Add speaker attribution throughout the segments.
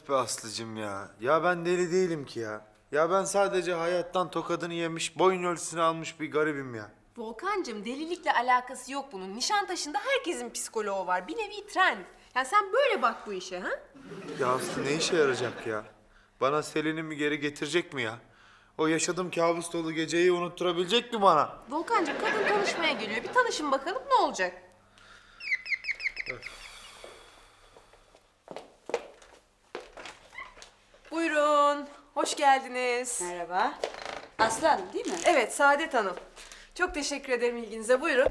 Speaker 1: be Aslı'cım ya. Ya ben deli değilim ki ya. Ya ben sadece hayattan tokadını yemiş, boyun ölçüsünü almış bir garibim ya.
Speaker 2: Volkancığım delilikle alakası yok bunun. Nişantaşı'nda herkesin psikoloğu var. Bir nevi trend. Yani sen böyle bak bu işe ha?
Speaker 1: Ya Aslı ne işe yarayacak ya? Bana Selin'imi geri getirecek mi ya? O yaşadığım kabus dolu geceyi unutturabilecek mi bana?
Speaker 2: Volkancığım kadın tanışmaya geliyor. Bir tanışın bakalım ne olacak? Buyurun. Hoş geldiniz.
Speaker 3: Merhaba. Aslı Hanım değil mi?
Speaker 2: Evet Saadet Hanım. Çok teşekkür ederim ilginize. Buyurun.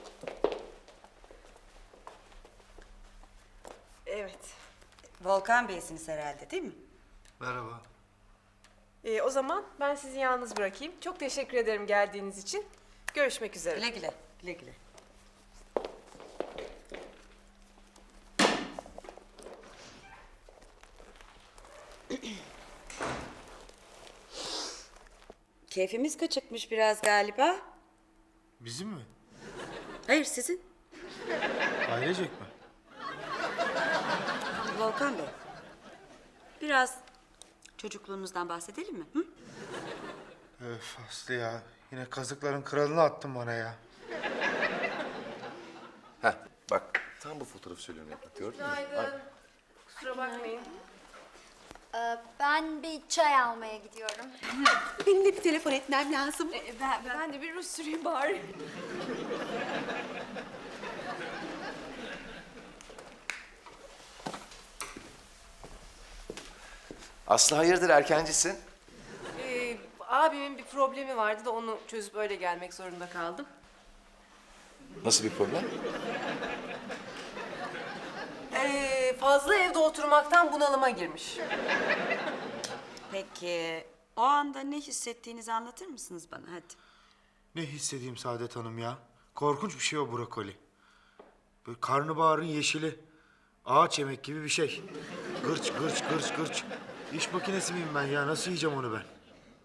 Speaker 2: Evet.
Speaker 3: Volkan Bey'siniz herhalde değil mi?
Speaker 1: Merhaba.
Speaker 2: O zaman ben sizi yalnız bırakayım. Çok teşekkür ederim geldiğiniz için. Görüşmek üzere.
Speaker 3: Güle güle. Güle güle. Keyfimiz kaçıkmış biraz galiba.
Speaker 1: Bizim mi?
Speaker 3: Hayır sizin.
Speaker 1: Ailecek mi?
Speaker 3: Volkan Bey. Biraz çocukluğunuzdan bahsedelim mi? Hı?
Speaker 1: Öf Aslı ya. Yine kazıkların kralını attın bana ya.
Speaker 4: Heh, bak tam bu fotoğrafı söylüyorum Yaprak, gördün mü?
Speaker 2: Günaydın. Kusura bakmayın.
Speaker 5: Ben bir çay almaya gidiyorum.
Speaker 2: Benim de bir telefon etmem lazım. Ben de bir ruj süreyim bari.
Speaker 4: Aslı hayırdır erkencisin?
Speaker 2: Abimin bir problemi vardı da onu çözüp öyle gelmek zorunda kaldım.
Speaker 4: Nasıl bir problem?
Speaker 2: Fazla evde oturmaktan bunalıma girmiş.
Speaker 3: Peki o anda ne hissettiğinizi anlatır mısınız bana hadi?
Speaker 1: Ne hissedeyim Saadet Hanım ya? Korkunç bir şey o brokoli. Böyle karnabaharın yeşili. Ağaç yemek gibi bir şey. Gırç gırç gırç gırç. İş makinesi miyim ben ya? Nasıl yiyeceğim onu ben?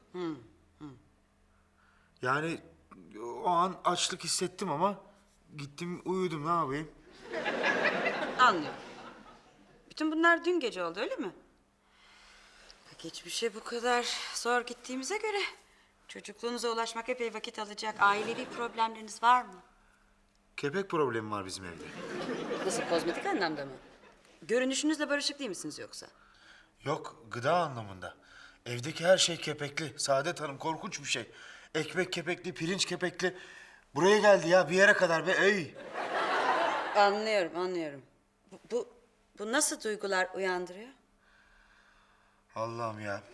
Speaker 1: Yani o an açlık hissettim ama gittim uyudum, ne yapayım?
Speaker 3: Anlıyorum. Bütün bunlar dün gece oldu öyle mi? Peki hiçbir şey bu kadar zor gittiğimize göre çocukluğunuza ulaşmak epey vakit alacak. Ailevi problemleriniz var mı?
Speaker 1: Kepek problemi var bizim evde.
Speaker 3: Nasıl, kozmetik anlamda mı? Görünüşünüzle barışık değil misiniz yoksa?
Speaker 1: Yok, gıda anlamında. Evdeki her şey kepekli. Saadet Hanım, korkunç bir şey. Ekmek kepekli, pirinç kepekli. Buraya geldi ya, bir yere kadar be. Ey!
Speaker 3: Anlıyorum, anlıyorum. Bu nasıl duygular uyandırıyor?
Speaker 1: Allah'ım ya.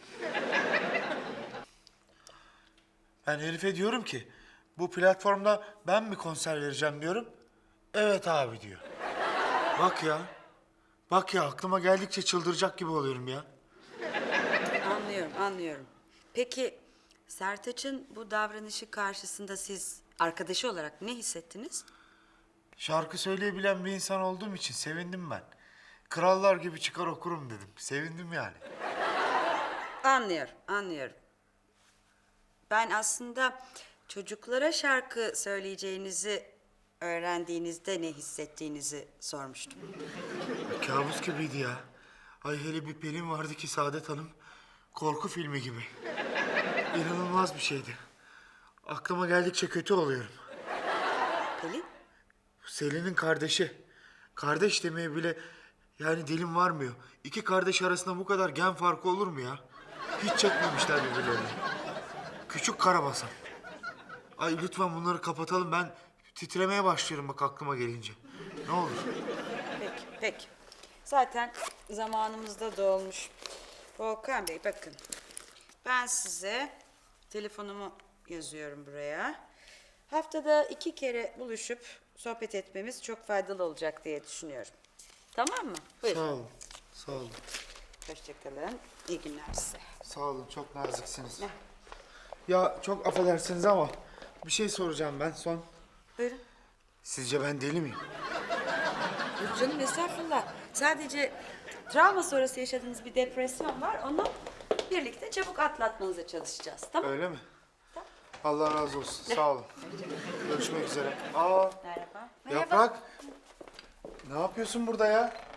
Speaker 1: Ben Elif'e diyorum ki, bu platformda ben mi konser vereceğim diyorum. Evet abi diyor. Bak ya. Bak ya, aklıma geldikçe çıldıracak gibi oluyorum ya.
Speaker 3: Anlıyorum, anlıyorum. Peki Sertaç'ın bu davranışı karşısında siz arkadaşı olarak ne hissettiniz?
Speaker 1: Şarkı söyleyebilen bir insan olduğum için sevindim ben. Krallar gibi çıkar okurum dedim. Sevindim yani.
Speaker 3: Anlıyorum, anlıyorum. Ben aslında çocuklara şarkı söyleyeceğinizi öğrendiğinizde ne hissettiğinizi sormuştum.
Speaker 1: Kabus gibiydi ya. Ay hele bir Pelin vardı ki Saadet Hanım. Korku filmi gibi. İnanılmaz bir şeydi. Aklıma geldikçe kötü oluyorum.
Speaker 3: Pelin,
Speaker 1: Selin'in kardeşi. Kardeş demeye bile yani dilim varmıyor. İki kardeş arasında bu kadar gen farkı olur mu ya? Hiç çekmemişler birbirlerini. Küçük karabasan. Ay lütfen bunları kapatalım. Ben titremeye başlıyorum bak aklıma gelince. Ne olur.
Speaker 3: peki, peki. Zaten zamanımız da dolmuş. Volkan Bey bakın. Ben size telefonumu yazıyorum buraya. Haftada 2 kere buluşup sohbet etmemiz çok faydalı olacak diye düşünüyorum. Tamam mı? Buyurun.
Speaker 1: Sağ olun. Sağ olun.
Speaker 3: Hoşçakalın. İyi günler size.
Speaker 1: Sağ olun. Çok naziksiniz. Ya çok affedersiniz ama bir şey soracağım ben son.
Speaker 3: Buyurun.
Speaker 1: Sizce ben deli miyim?
Speaker 3: Yok canım estağfurullah. Sadece travma sonrası yaşadığınız bir depresyon var. Onu birlikte çabuk atlatmanıza çalışacağız. Tamam mı?
Speaker 1: Öyle mi? Allah razı olsun. Sağ olun. Görüşmek üzere. Aa,
Speaker 3: Merhaba.
Speaker 1: Yaprak. Ne yapıyorsun burada ya?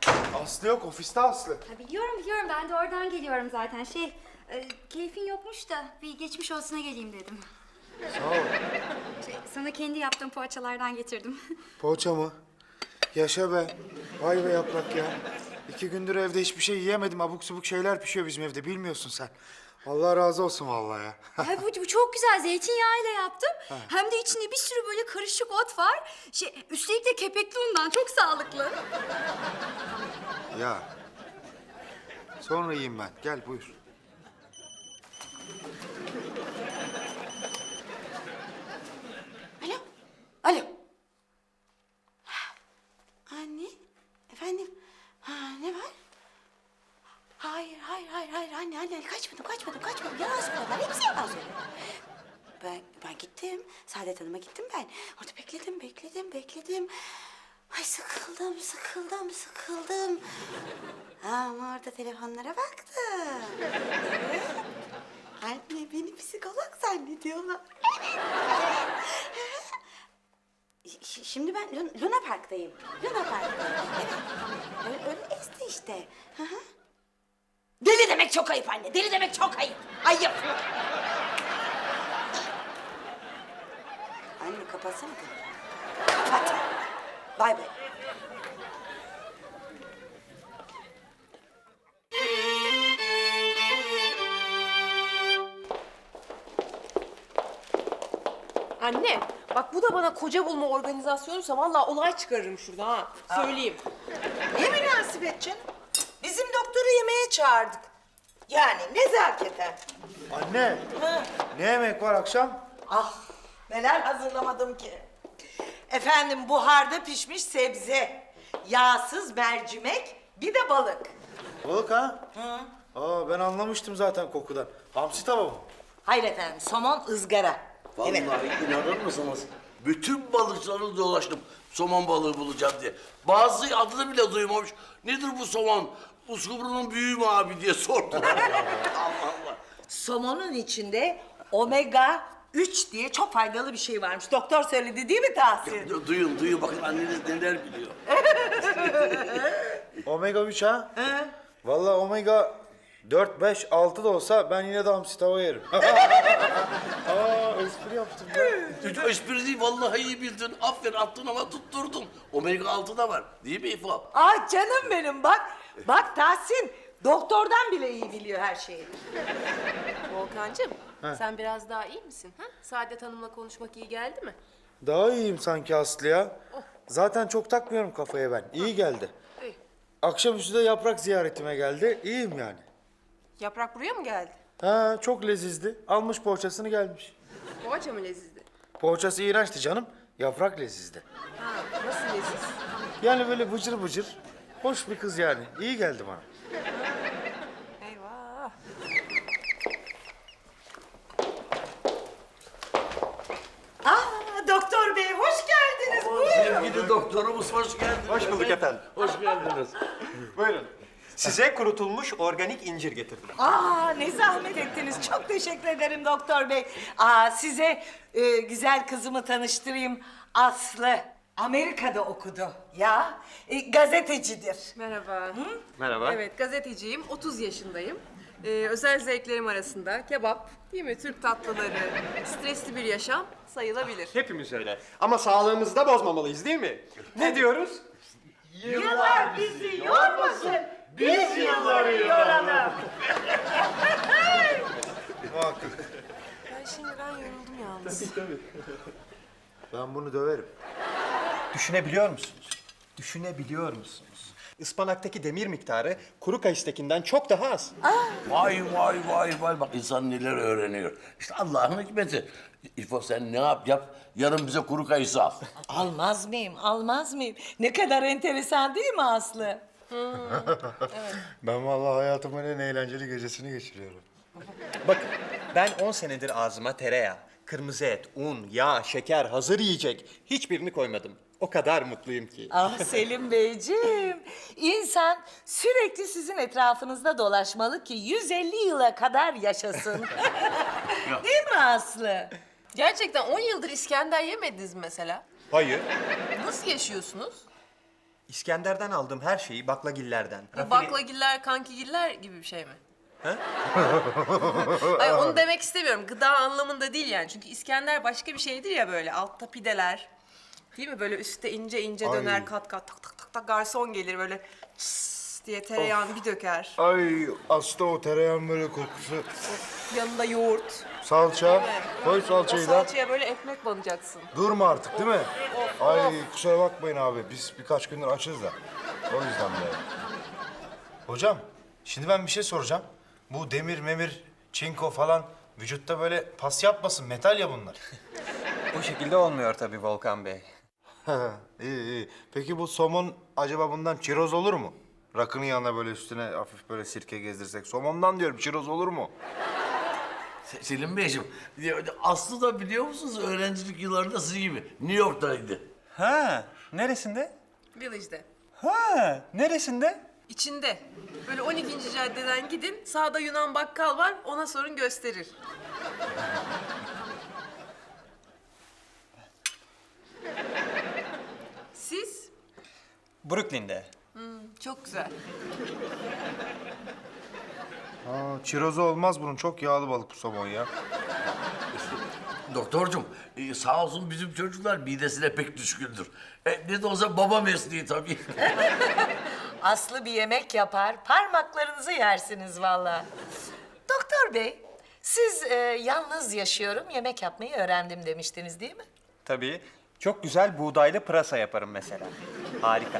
Speaker 1: Aslı yok, ofiste Aslı.
Speaker 5: Ha, biliyorum ben de oradan geliyorum zaten. Keyfin yokmuş da bir geçmiş olsuna geleyim dedim.
Speaker 1: Sağ ol.
Speaker 5: Sana kendi yaptığım poğaçalardan getirdim.
Speaker 1: Poğaça mı? Yaşa be. Vay be Yaprak ya. 2 gündür evde hiçbir şey yiyemedim. Abuk subuk şeyler pişiyor bizim evde, bilmiyorsun sen. Allah razı olsun vallahi ya.
Speaker 5: Ay, bu çok güzel, zeytinyağıyla yaptım. Hem de içinde bir sürü böyle karışık ot var. Üstelik de kepekli undan, çok sağlıklı.
Speaker 1: Ya. Sonra yiyeyim ben. Gel buyur.
Speaker 6: Alo, alo. Anne, efendim. Ha, ne var? Hayır anne kaçmadım. Yalan söylüyorlar, hepsi yalan söylüyor. Ben gittim, Saadet Hanım'a gittim ben. Orada bekledim. Ay sıkıldım. Ama orada telefonlara baktım. Evet. Anne beni psikolog zannediyorlar. Şimdi ben Luna Park'tayım. Evet. Öyle esti işte. Hı hı. Deli demek çok ayıp anne. Deli demek çok ayıp. Ayıp. Anne kapatsana telefonu. Kapat. Bay bay.
Speaker 2: Anne, bak bu da bana koca bulma organizasyonuysa vallahi olay çıkarırım şurada ha. Söyleyeyim.
Speaker 7: Ne münasebet canım? Bizim doktoru yemeğe çağırdık. Yani nezaketen.
Speaker 1: Anne. Ne yemek var akşam?
Speaker 7: Ah neler hazırlamadım ki. Efendim buharda pişmiş sebze, yağsız mercimek, bir de balık.
Speaker 1: Balık ha? Aa, ben anlamıştım zaten kokudan. Hamsi tava mı?
Speaker 7: Hayır efendim somon ızgara.
Speaker 8: Vallahi inanır mısınız? Bütün balıkçıları dolaştım somon balığı bulacağım diye. Bazı adını bile duymamış. Nedir bu somon? Uskumru'nun büyüğü mü abi diye sordular. Allah Allah.
Speaker 7: Somonun içinde omega 3 diye çok faydalı bir şey varmış. Doktor söyledi değil mi Tahsin?
Speaker 8: Duyun bakın anneniz neler biliyor.
Speaker 1: Omega 3 ha? Vallahi omega 4, 5, 6 da olsa ben yine de hamsi tava yerim. Aa, espri yaptım ya.
Speaker 8: Çocuk espri değil vallahi iyi bildin. Aferin attın ama tutturdun. Omega 6 da var değil mi İfo?
Speaker 7: Ah canım benim bak. Bak Tahsin doktordan bile iyi biliyor her şeyi.
Speaker 2: Volkancığım, sen biraz daha iyi misin? Ha? Saadet Hanım'la konuşmak iyi geldi mi?
Speaker 1: Daha iyiyim sanki Aslı ya. Zaten çok takmıyorum kafaya ben. İyi geldi.
Speaker 2: İyi.
Speaker 1: Akşamüstü de Yaprak ziyaretime geldi. İyiyim yani.
Speaker 2: Yaprak buraya mı geldi?
Speaker 1: Ha, çok lezizdi. Almış poğaçasını gelmiş.
Speaker 2: Poğaça mı lezizdi?
Speaker 1: Poğaçası iğrençti canım. Yaprak lezizdi.
Speaker 2: Ha, nasıl leziz?
Speaker 1: Yani böyle bıcır bıcır. Hoş bir kız yani. İyi geldi bana.
Speaker 2: Eyvah.
Speaker 7: Doktor bey hoş geldiniz.
Speaker 8: Sevgili doktorumuz hoş geldiniz.
Speaker 9: Hoş bulduk efendim.
Speaker 8: Hoş geldiniz.
Speaker 9: Buyurun. Size kurutulmuş organik incir getirdim.
Speaker 7: Ne zahmet ettiniz. Çok teşekkür ederim doktor bey. Size güzel kızımı tanıştırayım. Aslı. Amerika'da okudu ya. Gazetecidir.
Speaker 2: Merhaba.
Speaker 9: Merhaba.
Speaker 2: Evet, gazeteciyim. 30 yaşındayım. Özel zevklerim arasında kebap, değil mi? Türk tatlıları, stresli bir yaşam sayılabilir.
Speaker 9: Hepimiz öyle. Ama sağlığımızı da bozmamalıyız değil mi? Ne diyoruz?
Speaker 7: Yıllar bizi yormasın. Biz yılları yoralım.
Speaker 1: Muhakkak.
Speaker 2: Ben şimdiden yoruldum yalnız.
Speaker 1: Ben bunu döverim.
Speaker 9: Düşünebiliyor musunuz? Düşünebiliyor musunuz? Ispanaktaki demir miktarı kuru kayısıdakinden çok daha az.
Speaker 8: Vay bak insan neler öğreniyor. İşte Allah'ın hikmeti. İfo sen ne yap yarın bize kuru kayısı al.
Speaker 7: Almaz mıyım? Ne kadar enteresan değil mi Aslı?
Speaker 1: Ben vallahi hayatımın en eğlenceli gecesini geçiriyorum.
Speaker 9: Bakın ben 10 senedir ağzıma tereyağı, kırmızı et, un, yağ, şeker, hazır yiyecek hiçbirini koymadım. O kadar mutluyum ki.
Speaker 7: Ah Selim Beyciğim, insan sürekli sizin etrafınızda dolaşmalı ki 150 yıla kadar yaşasın. Değil mi Aslı?
Speaker 2: Gerçekten 10 yıldır İskender yemediniz mi mesela?
Speaker 9: Hayır.
Speaker 2: Nasıl yaşıyorsunuz?
Speaker 9: İskender'den aldığım her şeyi baklagillerden.
Speaker 2: Bu baklagiller, kankigiller gibi bir şey mi?
Speaker 9: Ha?
Speaker 2: Hayır onu demek istemiyorum. Gıda anlamında değil yani. Çünkü İskender başka bir şeydir ya böyle. Altta pideler. Değil mi? Böyle üstte ince ince döner kat kat tak tak tak tak. Garson gelir böyle çıs diye tereyağını bir döker.
Speaker 1: Ay aslında o tereyağın böyle kokusu.
Speaker 2: Yanında yoğurt.
Speaker 1: Salça. Koy
Speaker 2: O
Speaker 1: salçayı da.
Speaker 2: salçaya böyle ekmek banacaksın.
Speaker 1: Durma artık değil mi? Ay kusura bakmayın abi. Biz birkaç gündür açız da. O yüzden böyle. Hocam şimdi ben bir şey soracağım. Bu demir memir, çinko falan vücutta böyle pas yapmasın. Metal ya bunlar.
Speaker 9: O şekilde olmuyor tabii Volkan Bey.
Speaker 1: iyi iyi. Peki bu somon acaba bundan çiroz olur mu? Rakının yanına böyle üstüne hafif böyle sirke gezdirsek. Somondan diyorum çiroz olur mu?
Speaker 8: Selim Beyciğim, Aslı da biliyor musunuz öğrencilik yıllarında sizin gibi New York'taydı.
Speaker 9: Ha, neresinde?
Speaker 2: Village'de.
Speaker 9: Ha, neresinde?
Speaker 2: İçinde. Böyle 12. caddeden gidin. Sağda Yunan bakkal var. Ona sorun gösterir. Siz?
Speaker 9: Brooklyn'de.
Speaker 2: Çok güzel.
Speaker 1: Aa, çirozu olmaz bunun. Çok yağlı balık bu somon ya.
Speaker 8: Doktorcum, sağ olsun bizim çocuklar midesine pek düşkündür. Ne de olsa baba mesleği tabii.
Speaker 7: Aslı bir yemek yapar, parmaklarınızı yersiniz vallahi. Doktor bey, siz yalnız yaşıyorum, yemek yapmayı öğrendim demiştiniz değil mi?
Speaker 9: Tabii. Çok güzel buğdaylı pırasa yaparım mesela. Harika.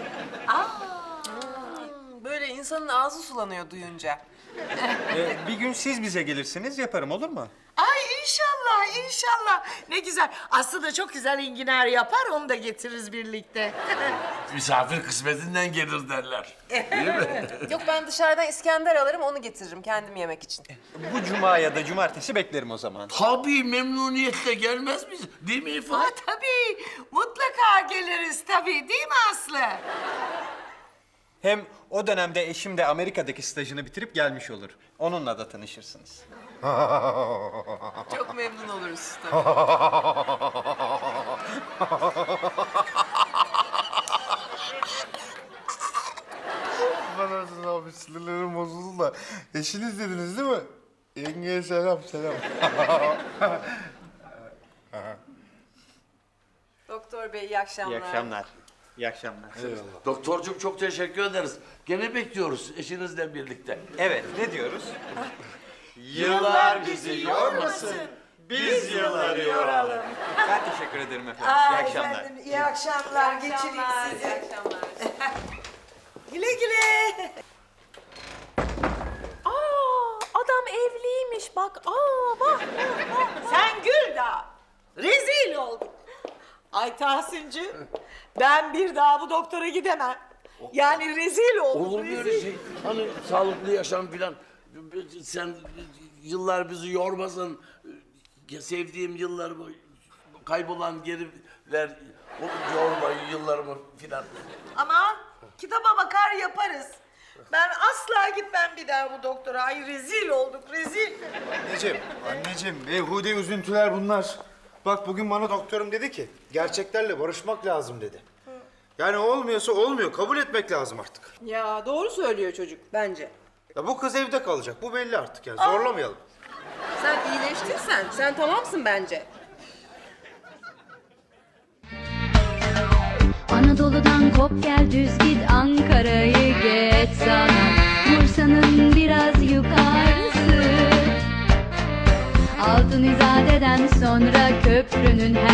Speaker 2: Böyle insanın ağzı sulanıyor duyunca.
Speaker 9: Bir gün siz bize gelirsiniz yaparım olur mu?
Speaker 7: Ay inşallah, inşallah. Ne güzel. Aslı da çok güzel enginar yapar, onu da getiririz birlikte.
Speaker 8: Misafir kısmetinden gelir derler.
Speaker 2: Yok ben dışarıdan İskender alırım onu getiririm kendim yemek için.
Speaker 9: Bu cuma ya da cumartesi beklerim o zaman.
Speaker 8: Tabii memnuniyetle gelmez miyiz? Değil mi İfa?
Speaker 7: Ha tabii, mutlaka geliriz tabii değil mi Aslı?
Speaker 9: Hem o dönemde eşim de Amerika'daki stajını bitirip gelmiş olur. Onunla da tanışırsınız.
Speaker 2: Çok memnun oluruz tabii.
Speaker 1: Affedersiniz abi sinirlerim bozuldu da. Eşiniz dediniz değil mi? Yengeye selam selam.
Speaker 2: Doktor bey iyi akşamlar.
Speaker 9: İyi akşamlar. İyi akşamlar.
Speaker 8: Doktorcum çok teşekkür ederiz. Gene bekliyoruz eşinizle birlikte.
Speaker 9: Evet, ne diyoruz? Yıllar bizi yormasın, biz yılları yoralım. Ben teşekkür ederim efendim. İyi akşamlar.
Speaker 7: İyi akşamlar, geçireyim
Speaker 2: İyi
Speaker 7: sizi.
Speaker 2: akşamlar.
Speaker 7: Güle güle.
Speaker 2: Adam evliymiş bak. Bak.
Speaker 7: Sen gül daha. Rezil oldun. Ay Tahsinci, ben bir daha bu doktora gidemem. Yani rezil oldum.
Speaker 8: Olur mu öyle şey? Hani sağlıklı yaşam filan. Sen yıllar bizi yormasın. Sevdiğim yıllarımı kaybolan geri ver. O yorma yıllarımı filan.
Speaker 7: Ama kitaba bakar yaparız. Ben asla gitmem bir daha bu doktora. Ay rezil olduk, rezil.
Speaker 1: Anneciğim, beyhude üzüntüler bunlar. Bak bugün bana doktorum dedi ki, gerçeklerle barışmak lazım dedi. Yani olmuyorsa olmuyor, kabul etmek lazım artık.
Speaker 2: Ya doğru söylüyor çocuk bence.
Speaker 1: Ya bu kız evde kalacak, bu belli artık yani, zorlamayalım.
Speaker 2: Sen iyileştin sen. Sen tamamsın bence.
Speaker 5: Anadolu'dan kop gel düz git Ankara'yı geç sana Bursa'nın biraz yukarısı Altın İzade'den sonra köprünün